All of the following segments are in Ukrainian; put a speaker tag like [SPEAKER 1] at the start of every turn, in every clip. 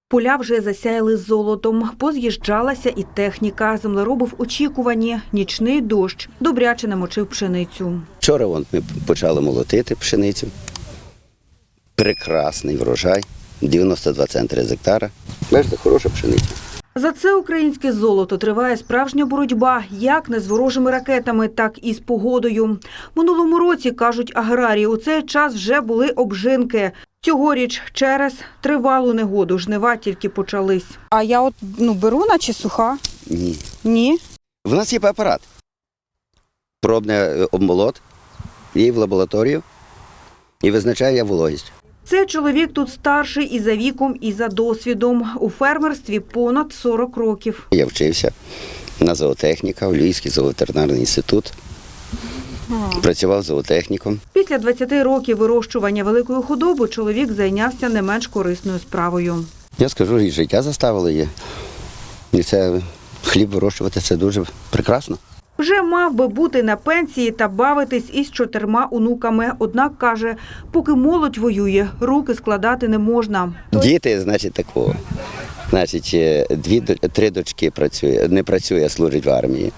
[SPEAKER 1] Поля вже засяяли золотом, поз'їжджалася і техніка. Землероби в очікуванні. Нічний дощ добряче намочив пшеницю.
[SPEAKER 2] Вчора ми почали молотити пшеницю. Прекрасний врожай, 92 центри з гектара. Бачите, хороша пшениця.
[SPEAKER 1] За це українське золото триває справжня боротьба, як не з ворожими ракетами, так і з погодою. Минулому році, кажуть аграрії, у цей час вже були обжинки. Цьогоріч через тривалу негоду жнива тільки почались.
[SPEAKER 3] А я беру, наче суха?
[SPEAKER 2] Ні.
[SPEAKER 3] Ні.
[SPEAKER 2] В нас є апарат. Пробний обмолот, її в лабораторію і визначає вологість.
[SPEAKER 1] Цей чоловік тут старший і за віком, і за досвідом. У фермерстві понад 40 років.
[SPEAKER 2] Я вчився на зоотехніка, у Львівський зооветеринарний інститут. Працював зоотехніком.
[SPEAKER 1] Після 20 років вирощування великої худоби чоловік зайнявся не менш корисною справою.
[SPEAKER 2] Я скажу, і життя заставило її. І це хліб вирощувати – це дуже прекрасно.
[SPEAKER 1] Вже мав би бути на пенсії та бавитись із 4 онуками. Однак, каже, поки молодь воює, руки складати не можна.
[SPEAKER 2] Діти, значить, такого. Значить, 3 дочки не працює, а служить в армії.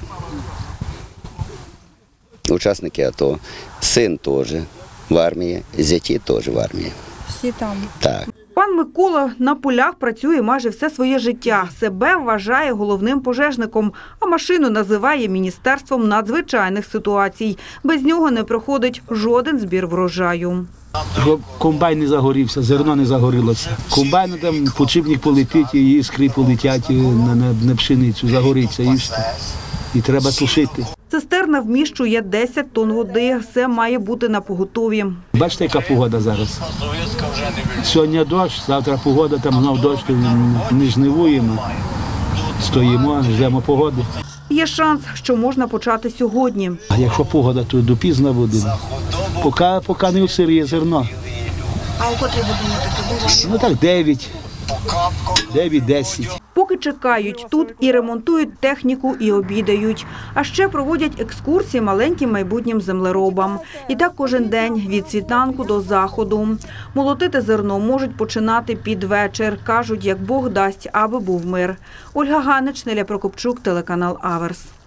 [SPEAKER 2] Учасники АТО. Син теж в армії, зяті теж в армії.
[SPEAKER 3] Всі там.
[SPEAKER 2] Так.
[SPEAKER 1] Пан Микола на полях працює майже все своє життя. Себе вважає головним пожежником, а машину називає Міністерством надзвичайних ситуацій. Без нього не проходить жоден збір врожаю.
[SPEAKER 4] Комбайн не загорівся, зерно не загорілося. Комбайн там подшипник полетить, і іскри полетять на пшеницю, загориться і все. І треба тушити.
[SPEAKER 1] Цистерна вміщує 10 тонн води. Все має бути напоготові.
[SPEAKER 4] Бачите, яка погода зараз? Сьогодні дощ, завтра погода, там знов дощ, не жнивуємо, стоїмо, ждемо погоди.
[SPEAKER 1] Є шанс, що можна почати сьогодні.
[SPEAKER 4] А якщо погода, то допізно буде. Поки не усиріє зерно.
[SPEAKER 1] А у котрій годині таке буває?
[SPEAKER 4] Так 9-10.
[SPEAKER 1] Поки чекають тут і ремонтують техніку, і обідають. А ще проводять екскурсії маленьким майбутнім землеробам. І так кожен день, від світанку до заходу. Молотити зерно можуть починати під вечір. Кажуть, як Бог дасть, аби був мир. Ольга Ганич, Неля Прокопчук, телеканал Аверс.